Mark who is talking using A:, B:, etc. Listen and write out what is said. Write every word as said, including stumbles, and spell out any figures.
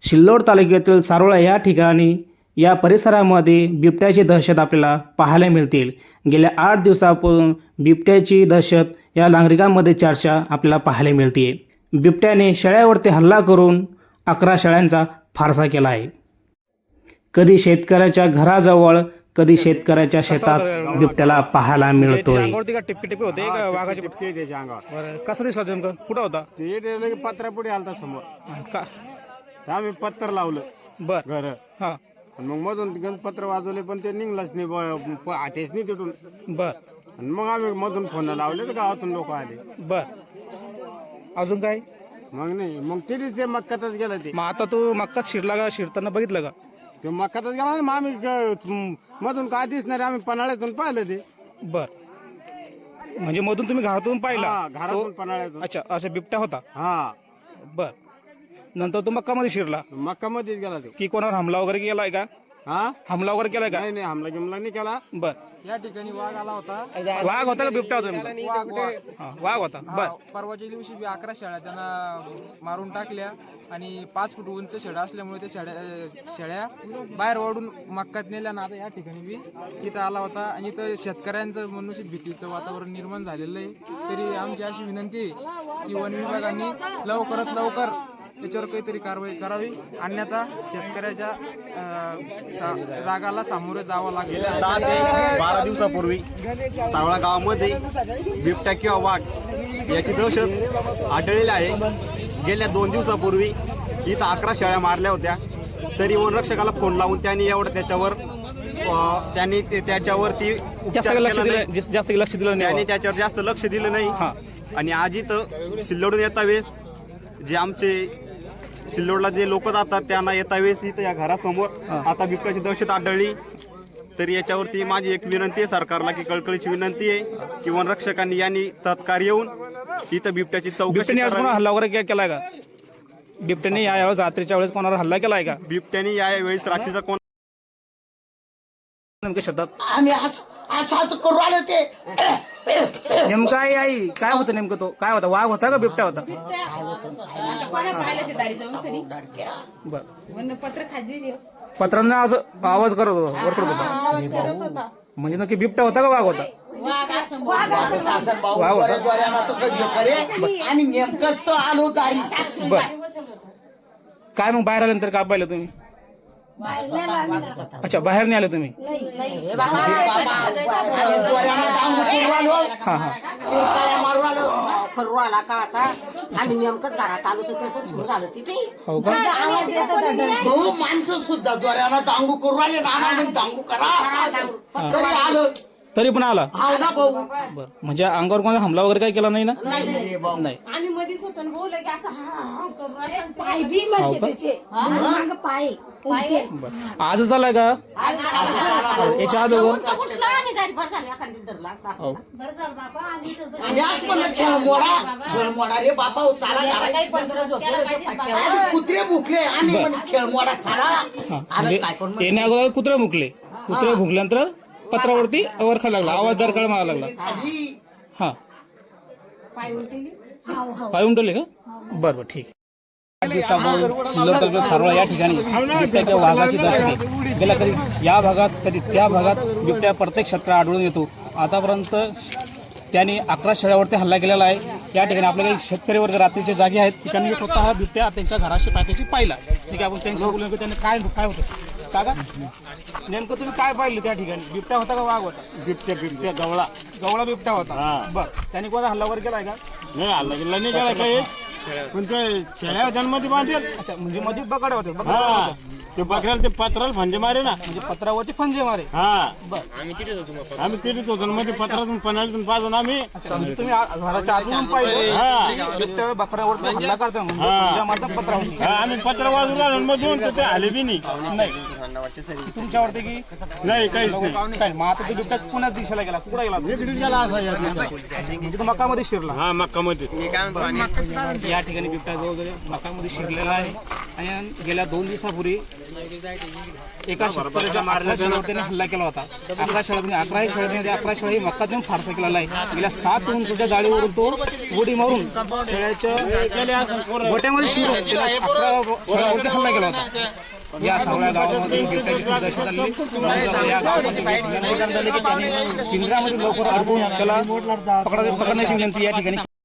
A: सिल्लोड तालुक्यातील सारोळा या ठिकाणी या परिसरामध्ये बिबट्याची दहशत आपल्याला पाहायला मिळतील। गेल्या आठ दिवसापासून बिबट्याची दहशत या नागरिकांमध्ये चर्चा आपल्याला पाहायला मिळते। बिबट्याने शेळ्यावरती हल्ला करून अकरा शेळ्यांचा फारसा केला आहे। कधी शेतकऱ्याच्या घराजवळ कधी शेतकऱ्याच्या शेतात बिबट्याला पाहायला मिळतोय।
B: अंगावरती का टिपके टिपके होते का वाघाचे
C: टिपके त्याच्या अंगावर
B: बरं कसं दिसलं नेमकं कुठं होता
C: ते रेल्वे पत्रा पुढे आलता समोर
B: का
C: तर आम्ही पत्तर लावलं
B: बर
C: घर
B: हा
C: आणि मग मधून गण पत्र वाजवले पण ते निघलंच नाही ब- प- आतेच नाही तिथून
B: बर
C: आणि मग आम्ही मधून फोन लावले तर गावातून लोक आले
B: बर अजून काय
C: मग नाही मग तरी ते मक्कातच गेलं ते
B: मग आता तू मक्कात शिरला का शिरताना बघितलं का
C: ते मक्कातच गेला ना मग आम्ही ग- मधून काय दिसणार आम्ही पन्हाळ्यातून पाहिलं ते
B: बर म्हणजे मधून तुम्ही घरातून पाहिला
C: हा घरातून पन्हाळ्यातून
B: अच्छा अच्छा बिबट्या होता
C: हा
B: बर नंतर तो मक्कामध्ये शिरला
C: मक्का मध्येच गेला ते
B: की कोणावर हमला वगैरे केलाय का
C: हा
B: हमला वगैरे केलाय का
C: नाही नाही हमला गिमला नाही केला
B: बर
C: या ठिकाणी वाघ आला होता
B: वाघ होता का बिबट्या होता नेमका? हा, वाघ होता बर
D: परवाच्या दिवशी बी अकरा शेळ्या त्यांना मारून टाकल्या आणि पाच फूट उंच शेळ्या असल्यामुळे त्या शेळ्या शेळ्या बाहेर ओढून मक्कात नेल्या ना आता या ठिकाणी बी इथं आला होता आणि इथं शेतकऱ्यांचं मनुष्य भीतीचं वातावरण निर्माण झालेलं आहे। तरी आमची अशी विनंती आहे की वन विभागाने लवकरात लवकर याच्यावर काहीतरी कारवाई करावी अन्यथा शेतकऱ्याच्या अं, सा- रागाला सामोरे जावं लागेल।
C: दहा ते बारा दिवसापूर्वी सावळा गावामध्ये बिबट्या किंवा वाघ याची दहशत आढळलेली आहे। गेल्या दोन दिवसापूर्वी इथं अकरा शेळ्या मारल्या होत्या तरी वनरक्षकाला फोन लावून त्यांनी एवढं त्याच्यावर अं, त्यांनी ते- त्याच्यावरती
B: जास्त
C: उपचार
B: काही लक्ष
C: केला
B: दिलं
C: नाही.
B: जास्त जास्त काही लक्ष दिलं
C: त्यांनी
B: नाही
C: त्याच्यावर जास्त लक्ष दिलं नाही
B: हा
C: आणि आज इथं सिल्लोडून येता वेळेस जे आमचे सिल्लोडला जे लोक जातात त्यांना येता वेळेस इथं या घरासमोर आता बिबट्याची दहशत आढळली। तर याच्यावरती माझी एक विनंती आहे सरकारला की कळकळीची विनंती आहे की वनरक्षकांनी यांनी तत्काळ येऊन इथं बिबट्याची चौकशी
B: बिबट्याने आज कोणा
C: करावी।
B: हल्ला वगैरे के- केलाय का बिबट्याने या यावेळेस रात्रीच्या वेळेस कोणावर हल्ला केलाय का
C: बिबट्याने या वेळेस रात्रीचा कोण
B: नेमकं शेतात
E: आम्ही आज आज आज करू आलो ते
B: नेमकं आई आई काय होतं नेमकं तो काय होता वाघ होता का बिबट्या होता
F: आता कोणा पाहिलं ते दारी जाऊन सरी
B: बर
F: वन पत्र खाजी
B: पत्रांना असं आवाज करत होता वर करत होता
F: आवाज करत होता
B: म्हणजे नक्की बिबट्या होता का वाघ होता
F: वाघ असं वाघ असं
E: सासर भाऊ
B: वाव होता.
E: द्वाऱ्यानं तो काही करे आणि नेमकंच तो आलो दारी
B: बर काय मग बाहेर आल्यानंतर काय पाहिलं तुम्ही अच्छा बाहेर नाही आले तुम्ही
E: द्वाऱ्यानं डांग करू आलो
B: हा हा
E: तिरकाळ्या मारू आलो करू आला काचा आम्ही नेमकंच घरात आलो तर त्याचं सुरू झालं तिथे
B: हो का
F: आवाज येत होता
E: भाऊ माणसं सुद्धा द्वाऱ्यानं डांगू करू आले ना आम्हाला डांगू करा तरी आलो
B: तरी पण आला
E: हाव ना भाऊ
B: बर म्हणजे अंगावर कोणा हमला वगैरे काही केला नाही ना
E: नाही रे भाऊ
B: नाही
F: आम्ही मध्येच होतो आणि बोललो की असं हा हा करू राहिला. पाय बी म्हणते त्याचे मागं पाय पाय
B: बर आजच आलाय का याच्या अगोदर
F: कुठला आणि दारी भर झाली एखादी धरला असता
B: हो
F: बरं झालं बाबा आम्ही तर
E: आणि आज म्हणलं खेळ मोडा खेळ मोडा रे बापा हो, चाला घरात.
F: काही पंधरा झोपलेलं पाहिजे
E: आज कुत्रे भुकले आम्ही म्हणे खेळ मोडा खाला
B: हा
E: आलं
B: म्हणजे
E: काय करून
B: येण्या अगोदर कुत्रे मुकले कुत्रे भुकल्यानंतर पत्रावरती वरखा लागला आवाज दरकाळ मारा लागला
E: खाली
B: हा
F: पाय उलटेली हाव हाव
B: पाय उमटवले का बरं बरं ठीक आहे दिवसापूर्वी सिल्लोड तालुक्यात सारोळा या ठिकाणी बिबट्याच्या वाघाची दहशत आहे। गेल्या कधी या भागात कधी त्या भागात बिबट्या प्रत्येक क्षेत्रात आढळून येतो। आतापर्यंत त्यांनी अकरा शेळ्यावरती हल्ला केलेला आहे। या ठिकाणी आपल्या काही शेतकरी वर्ग रात्रीचे जागे आहेत त्यांनी स्वतः बिबट्या त्यांच्या घराशी पायथ्याशी पाहिला। ठीक आहे आपण त्यांच्या बोलून त्यांनी काय काय होतं काका नेमकं तुम्ही काय पाहिलं त्या ठिकाणी बिबट्या होता का वाघ होता
C: बिबट्या बिबट्या गवळा
B: गवळा बिबट्या होता
C: हा.
B: बरं त्यांनी कोणा हल्ला वगैरे केलाय का
C: नाही हल्ला गेला नाही गेला काही पण ते शेळ्या होत्यांमध्ये बांधेल
B: अच्छा म्हणजे मध्ये बकड होते बकड
C: हा
B: होते.
C: ते बकऱ्याला ते पत्राला फंजे मारे ना
B: म्हणजे पत्रावरती फंजे मारे
C: हा
B: बरं
C: आम्ही तिथेच होतो मध्ये पत्रातून पन्हाळ्यातून पाजून आम्ही
B: अच्छा म्हणजे तुम्ही आ- घराच्या आतून पाहिजे
C: हा.
B: बिबट्या बकऱ्यावरती हल्ला करता म्हणजे
C: हा.
B: फंजा मारतात पत्रावरती
C: हा, आम्ही पत्र वाजून राहिलो मधून तर ते आले बी नाही
B: नाही तुमच्यावरती की
C: नाही काहीच नाही
B: काय मग आता तो बिबट्या पुण्यात दिशाला गेला कुठे गेला म्हणजे तो मकामध्ये शिरला
C: हा मक्कामध्ये
B: या ठिकाणी बिबट्या जवळजवळ मकामध्ये शिरलेला आहे आणि गेल्या दोन दिवसापूर्वी एका शेतकऱ्याच्या मारल्या शेळ्यावर त्याने हल्ला केला होता. अकरा शेळ्या अकरा शेळ्यांमध्ये अकरा शेळ्या मक्का देऊन फारसा केलेला आहे. गेल्या सात उंचच्या जाळीवरून तो उडी मारून शेळ्याच्या गोट्यामध्ये शिरून त्याने अकरा शेळ्यावरती हल्ला केला होता. या सगळ्या गावामध्ये बिबट्याची खूप दहशत झाली. या गावामध्ये ठिकाण झाले की त्यांनी पिंजऱ्यामध्ये लवकर अडकून त्याला पकडण्याची विनंती या ठिकाणी